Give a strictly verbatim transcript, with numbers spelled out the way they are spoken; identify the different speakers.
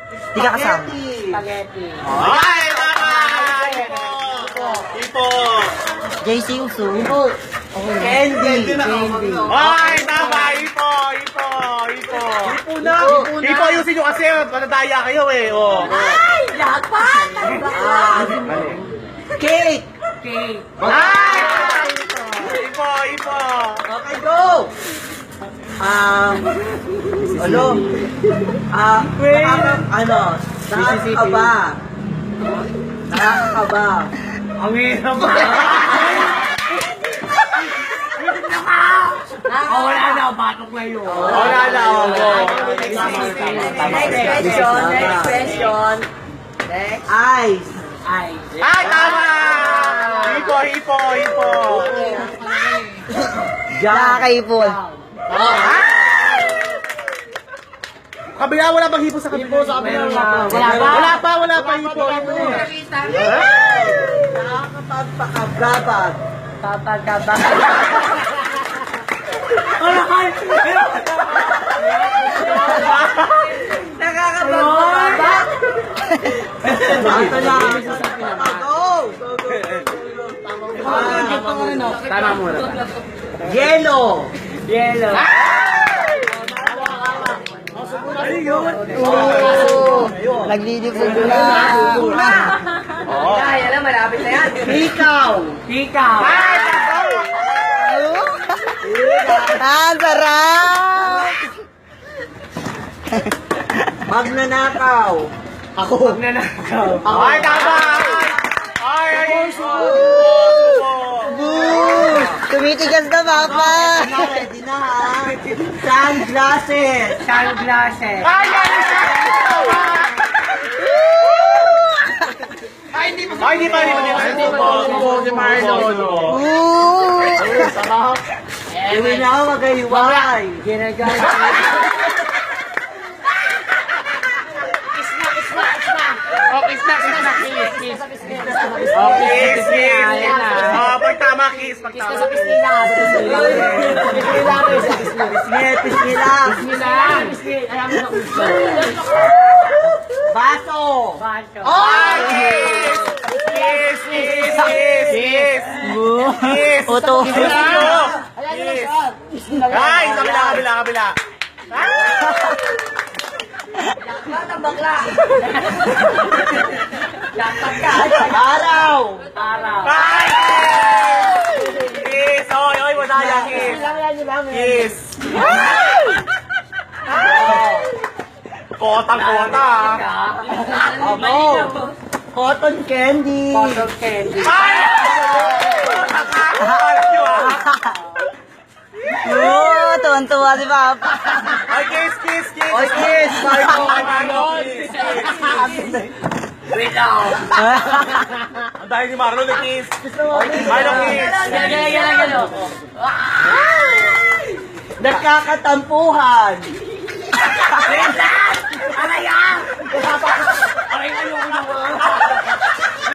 Speaker 1: Di ka kasama.
Speaker 2: Spaghetti.
Speaker 3: Ay, tama! Ipo! Ipo!
Speaker 1: J C Uso. Candy. Candy.
Speaker 3: Ay, tama! Ipo! Ipo! Ipo!
Speaker 2: Ipo na.
Speaker 3: Ipo, ayusin nyo kasi manadaya kayo eh. Oh.
Speaker 2: Ay! Lakpan!
Speaker 1: Cake.
Speaker 2: Cake.
Speaker 3: Ay! Ipo! Ipo!
Speaker 1: Okay, go! Um, ano? Ah, nakaka- ano? Nakakaba. Nakakaba.
Speaker 3: Ang hirap ba?
Speaker 2: Oh, wala na. Batok na yun.
Speaker 3: Wala na ako.
Speaker 2: Next question. Next question. Next.
Speaker 1: Ice.
Speaker 2: Ay.
Speaker 3: Ay, tama! Ipo! Ipo! Ipo!
Speaker 1: Nakakaipon.
Speaker 3: Kabila, wala bang hipo sa kabila? Hipo sa kabila.
Speaker 2: Wala pa.
Speaker 3: Wala pa, wala pa hipo. Hipo.
Speaker 1: Nakakapagpakagabag.
Speaker 2: Papagabang. Wala ka.
Speaker 1: Nakakapagpakagabag. Ito na. Go! Go, go, go.
Speaker 3: Tama muna.
Speaker 1: Yellow.
Speaker 2: Yellow.
Speaker 3: Ano yun?
Speaker 1: Naglilipog na.
Speaker 3: Oo.
Speaker 2: Ay, alam, malapit na yan.
Speaker 1: Ikaw.
Speaker 2: Ikaw.
Speaker 1: Ah, sarap! Magnanakaw.
Speaker 3: Ako.
Speaker 2: Nanakaw.
Speaker 3: Ay, tama! Ay, ay, ay.
Speaker 1: Boo! Tumitigas na, Papa! Ready na, ha? Sunglasses.
Speaker 2: Sunglasses.
Speaker 3: Ay, ay, ay, hindi pa. Ay, hindi pa, hindi pa. Hindi pa. Si Marlon.
Speaker 1: Boo! Iwi na ako magahiwalay.
Speaker 2: Ginagamit.
Speaker 3: Okay, snack, snack, kiss, kiss. Okay, kiss, kiss. Oh, pag tama, kiss, pag tama.
Speaker 1: Pisngit, pisngilang. Baso.
Speaker 3: Ay, kiss! Kiss, kiss, kiss, kiss. Kiss.
Speaker 1: Oto.
Speaker 3: Kiss. Ay, kabila, kabila, kabila.
Speaker 2: Batang bakla. Laptop ka.
Speaker 1: Araw.
Speaker 2: Araw.
Speaker 3: Ay, kiss! Kiss, oy, oy, madaya, kiss. Kiss. Kotang-kota, ah.
Speaker 1: Ano? Cotton candy.
Speaker 2: Cotton candy.
Speaker 3: Ay! Alam nyo, ah.
Speaker 1: Oo, tuwan-tuwa si Papa.
Speaker 3: Ay, kiss, kiss, kiss.
Speaker 1: Oy, kiss.
Speaker 3: Marlon, Marlon, kiss, kiss.
Speaker 2: Wait lang.
Speaker 3: Ang dahil ni Marlon, na kiss. Marlon, kiss.
Speaker 2: Gala, gala, gala, gala.
Speaker 1: Nagkakatampuhan.
Speaker 2: Wait lang! Aray ah! Aray, ayoko na.